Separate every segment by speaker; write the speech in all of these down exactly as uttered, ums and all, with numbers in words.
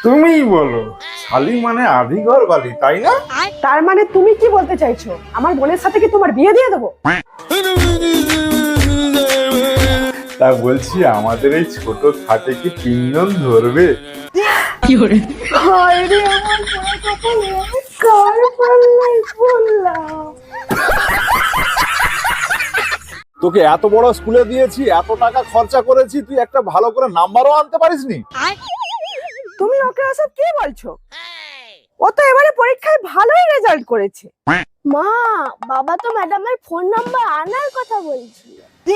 Speaker 1: তুমিই বলো, শালি মানে আধি ঘর বালি, তাই না?
Speaker 2: তার মানে তুমি কি বলতে চাইছো, আমার বোনের সাথে কি তোমার বিয়ে দিয়ে দেবো?
Speaker 1: তা বলছি, আমাদের এই ছোট খাটে কি তিনজন ধরবে?
Speaker 2: হায় রে আমার পোড়া কপালে, আমি কার পাল্লায় পড়লাম।
Speaker 3: তোকে এত বড় স্কুলে দিয়েছি, এত টাকা খরচা করেছি, তুই একটা ভালো করে নাম্বারও আনতে পারিসনি।
Speaker 2: তুমি ওকে ওসব কি বলছো? ও তো এবারে পরীক্ষায় ভালোই রেজাল্ট করেছে।
Speaker 4: মা, বাবা তো ম্যাডামের ফোন নাম্বার আনার কথা বলছিল।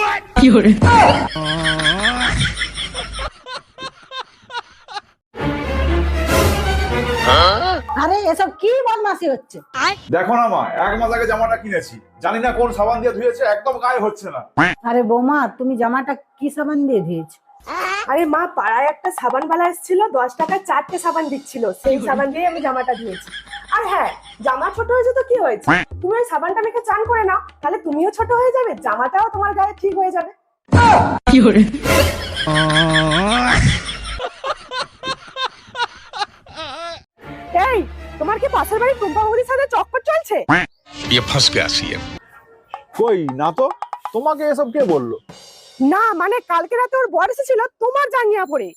Speaker 5: আরে এসব কি বদমাশি হচ্ছে?
Speaker 3: দেখো না মা, এক মাস আগে জামাটা কিনেছি, জানি না কোন সাবান দিয়ে ধুয়েছে, একদম গায়ে হচ্ছে না।
Speaker 5: আরে বৌমা, তুমি জামাটা কি সাবান দিয়ে ধুয়েছো?
Speaker 2: আরে মা, পাড়ায় একটা সাবানওয়ালা এসেছিল, দশ টাকা চারটে সাবান দিচ্ছিল, সেই সাবান দিয়ে আমি জামাটা ধুয়েছি। আর হ্যাঁ, জামা ছোট হয়েছে তো কি হয়েছে, তুমি ওই সাবানটা মেখে চান করে নাও, তাহলে তুমিও ছোট হয়ে যাবে, জামাটাও তোমার গায়ে ঠিক হয়ে যাবে। এই, তোমার কি পাশের বাড়ির টুম্পা বৌদির সাথে চক্কর চলছে?
Speaker 6: ये फंस गया सीएम।
Speaker 3: কই না তো, তোমাকে এসব কে বললো?
Speaker 2: না মানে কালকে রাতে ওর বর এসেছিল তোমার জাঙ্গিয়া পরে।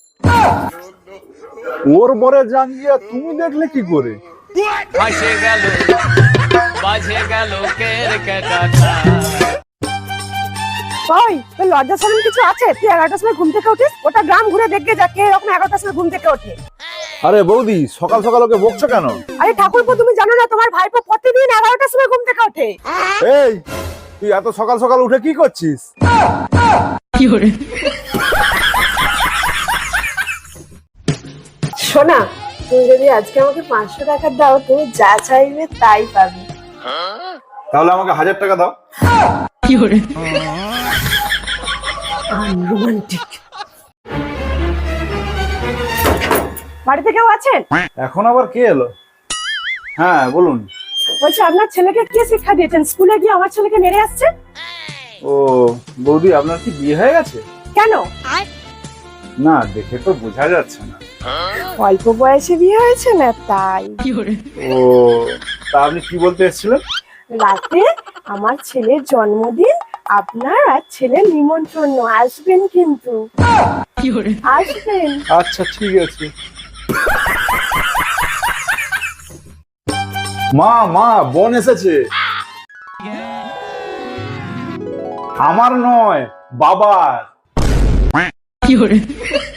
Speaker 3: ওর বরে জাঙ্গিয়া তুমি দেখলে কি করে?
Speaker 7: বাজে গেল বাজে গেল কেরকেটাটা।
Speaker 2: ওই, তোর লজ্জা শরম কিছু আছে? তুই এগারোটার সময় ঘুম থেকে উঠিস, ওটা গ্রাম ঘুরে দেখে যা কে এরকম এগারোটার সময় ঘুম থেকে ওঠে।
Speaker 3: আরে বৌদি, সকাল সকাল ওকে বকছো কেন?
Speaker 2: আরে ঠাকুরপো, তুমি জানো না তোমার ভাইপো প্রতিদিন এগারোটার সময় ঘুম থেকে ওঠে?
Speaker 3: এই, তুই এত সকাল সকাল উঠে কি করছিস?
Speaker 2: শোনা, তুমি যদি আজকে আমাকে পাঁচশো টাকা দাও, তুমি যা চাইবে তাই পাবে।
Speaker 3: তাহলে আমাকে হাজার টাকা দাও।
Speaker 2: রোমান্টিক। বাড়িতে কেউ আছেন?
Speaker 3: এখন আবার কে এলো? হ্যাঁ বলুন।
Speaker 2: বলছি, আপনার ছেলেকে কে শিক্ষা দিয়েছেন, স্কুলে গিয়ে আমার ছেলেকে মেরে আসছে?
Speaker 3: ও বৌদি, আপনার কি বিয়ে হয়ে গেছে?
Speaker 2: কেন?
Speaker 3: না, দেখে তো বোঝা যাচ্ছে না।
Speaker 2: অল্প বয়সে বিয়ে হয়েছে না তাই।
Speaker 3: ও, তা আপনি কি বলতে এসেছিলেন?
Speaker 2: রাতে আমার ছেলের জন্মদিন, আপনার আর ছেলের নিমন্ত্রণ, আসবেন কিন্তু, আসবেন।
Speaker 3: আচ্ছা ঠিক আছে। মা মা, বোন এসেছে। আমার নয়, বাবার।